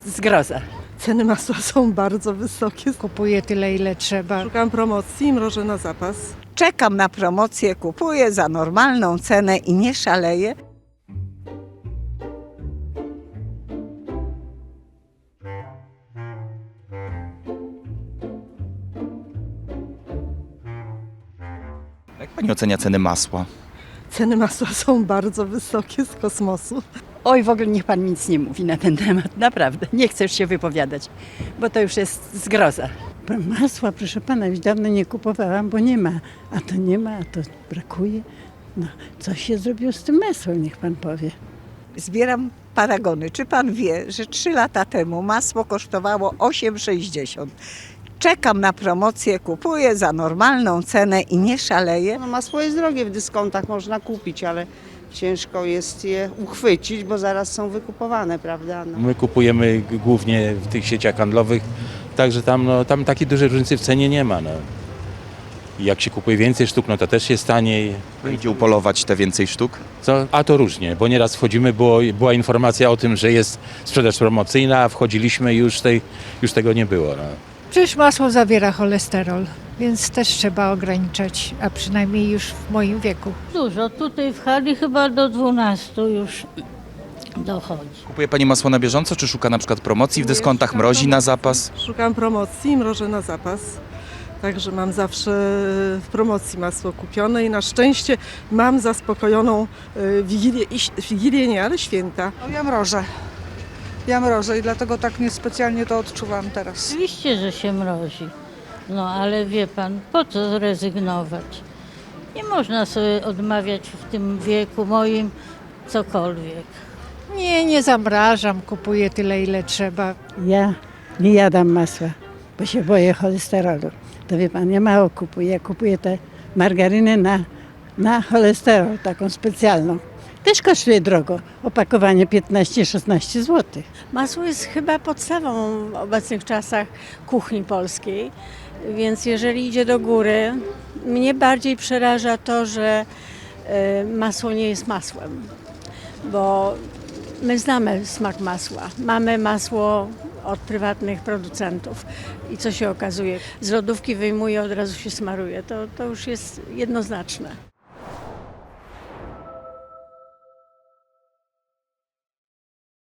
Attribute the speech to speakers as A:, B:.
A: Zgroza.
B: Ceny masła są bardzo wysokie.
C: Kupuję tyle, ile trzeba.
B: Szukam promocji i mrożę na zapas.
D: Czekam na promocję, kupuję za normalną cenę i nie szaleję.
E: Jak pani ocenia ceny masła?
B: Ceny masła są bardzo wysokie z kosmosu.
A: Oj, w ogóle niech pan nic nie mówi na ten temat, naprawdę. Nie chcę już się wypowiadać, bo to już jest zgroza.
F: Masła, proszę pana, już dawno nie kupowałam, bo nie ma. A to nie ma, a to brakuje. No, coś się zrobiło z tym masłem, niech pan powie.
D: Zbieram paragony. Czy pan wie, że 3 lata temu masło kosztowało 8,60? Czekam na promocję, kupuję za normalną cenę i nie szaleję.
G: No, masło jest drogie, w dyskontach można kupić, ale ciężko jest je uchwycić, bo zaraz są wykupowane, prawda? No.
H: My kupujemy głównie w tych sieciach handlowych, także tam takiej dużej różnicy w cenie nie ma. No. I jak się kupuje więcej sztuk, no to też jest taniej.
E: Idzie upolować te więcej sztuk?
H: A to różnie, bo nieraz wchodzimy, była informacja o tym, że jest sprzedaż promocyjna, a wchodziliśmy i już tego nie było. No.
C: Przecież masło zawiera cholesterol, więc też trzeba ograniczać, a przynajmniej już w moim wieku.
I: Dużo, tutaj w hali chyba do 12 już dochodzi.
E: Kupuje pani masło na bieżąco, czy szuka na przykład promocji w dyskontach, mrozi na zapas?
B: Szukam promocji i mrożę na zapas. Także mam zawsze w promocji masło kupione i na szczęście mam zaspokojoną Wigilię nie, ale święta.
J: No, ja mrożę i dlatego tak niespecjalnie to odczuwam teraz.
I: Oczywiście, że się mrozi. No ale wie pan, po co zrezygnować? Nie można sobie odmawiać w tym wieku moim cokolwiek.
C: Nie zamrażam, kupuję tyle, ile trzeba.
F: Ja nie jadam masła, bo się boję cholesterolu. To wie pan, ja mało kupuję. Ja kupuję tę margarynę na cholesterol, taką specjalną. Też kosztuje drogo. Opakowanie 15-16 zł.
K: Masło jest chyba podstawą w obecnych czasach kuchni polskiej, więc jeżeli idzie do góry, mnie bardziej przeraża to, że masło nie jest masłem, bo my znamy smak masła, mamy masło od prywatnych producentów i co się okazuje, z lodówki wyjmuje, od razu się smaruje, to już jest jednoznaczne.